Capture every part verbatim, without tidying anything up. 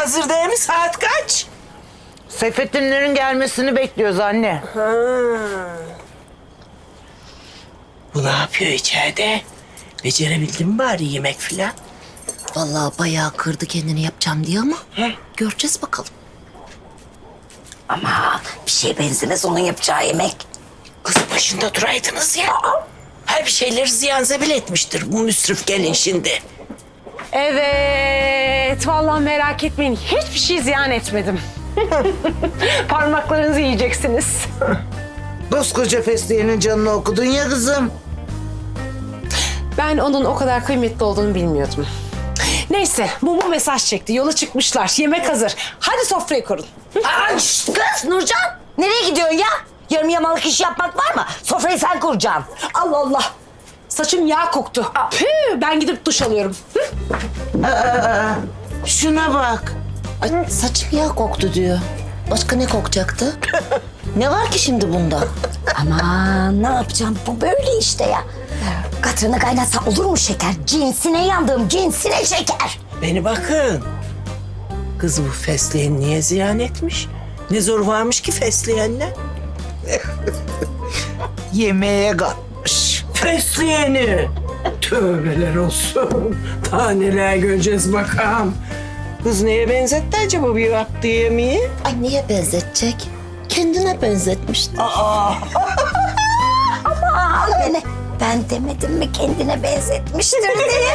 hazır değil mi? Saat kaç? Seyfettinlerin gelmesini bekliyoruz anne. Ha. Bu ne yapıyor içeride? Becerebildin mi bari yemek filan? Vallahi bayağı kırdı kendini yapacağım diye ama He? göreceğiz bakalım. Ama bir şeye benzemez onun yapacağı yemek. Kız başında duraydınız ya. Her bir şeyleri ziyan zebil etmiştir bu müsrif gelin şimdi. Evet, vallahi merak etmeyin. Hiçbir şey ziyan etmedim. Parmaklarınızı yiyeceksiniz. Koskoca fesleğenin canını okudun ya kızım. Ben onun o kadar kıymetli olduğunu bilmiyordum. Neyse, bu bu mesaj çekti. Yola çıkmışlar. Yemek hazır. Hadi sofrayı kurun. Aa, şşt kız Nurcan nereye gidiyorsun ya? Yarım yamalık iş yapmak var mı? Sofrayı sen kuracaksın. Allah Allah. Saçım yağ koktu. Püh, ben gidip duş alıyorum. Hı? Şuna bak. Ay, saçım yağ koktu diyor. Başka ne kokacaktı? Ne var ki şimdi bunda? Aman ne yapacağım bu böyle işte ya. Katranı kaynatsa olur mu şeker? Cinsine yandım cinsine şeker. Beni bakın. Kız bu fesleğeni niye ziyan etmiş? Ne zor varmış ki fesleğenle? Yemeğe katmış. Fesleğeni. Tövbeler olsun. Daha neler göreceğiz bakalım. Kız neye benzetti acaba bir yaptığı yemeği? Ay niye benzetecek? Kendine benzetmiştir. Aa. Aman beni. Ben demedim mi kendine benzetmiştir diye.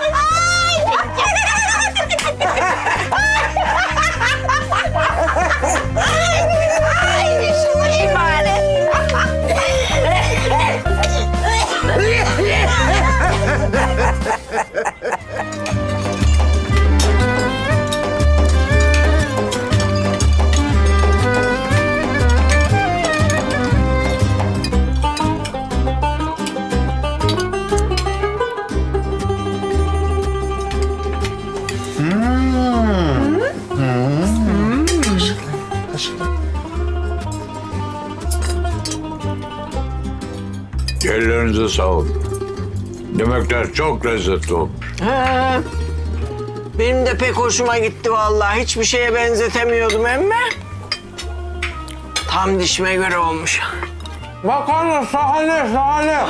Ay, şunu iyi bari. Ellerinize sağlık. Yemekler çok lezzetli olmuş. He. Benim de pek hoşuma gitti vallahi. Hiçbir şeye benzetemiyordum emme. Tam dişime göre olmuş. Makarna sahne sahne.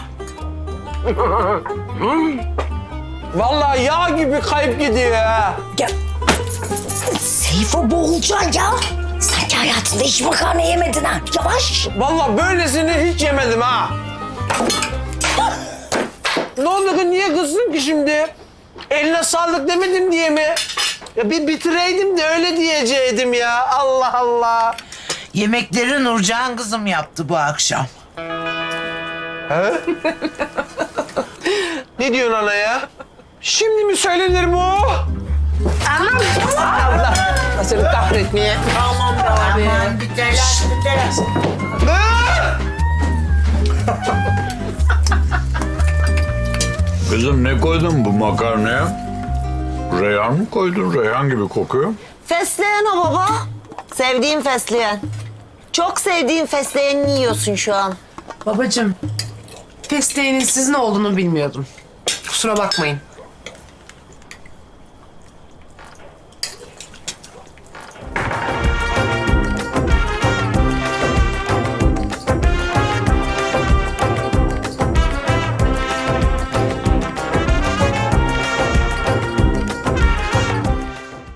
Vallahi yağ gibi kayıp gidiyor ha. Ya, Seyfo boğulacaksın ya. Sanki hayatında hiç makarna yemedin ha. Yavaş. Vallahi böylesini hiç yemedim ha. Ne oldu ki niye kızdın ki şimdi? Eline sağlık demedim diye mi? Ya bir bitireydim de öyle diyeceydim ya. Allah Allah. Yemekleri Nurcan kızım yaptı bu akşam. He? Ne diyorsun ana ya? Şimdi mi söylenir bu? Anam. Allah. Seni kahretmeye. Tamam be abi. Aman bir telaş bir telaş. Kızım ne koydun bu makarnaya? Reyhan mı koydun? Reyhan gibi kokuyor. Fesleğen o baba. Sevdiğim fesleğen. Çok sevdiğim fesleğeni yiyorsun şu an. Babacığım, fesleğenin sizin olduğunu bilmiyordum. Kusura bakmayın.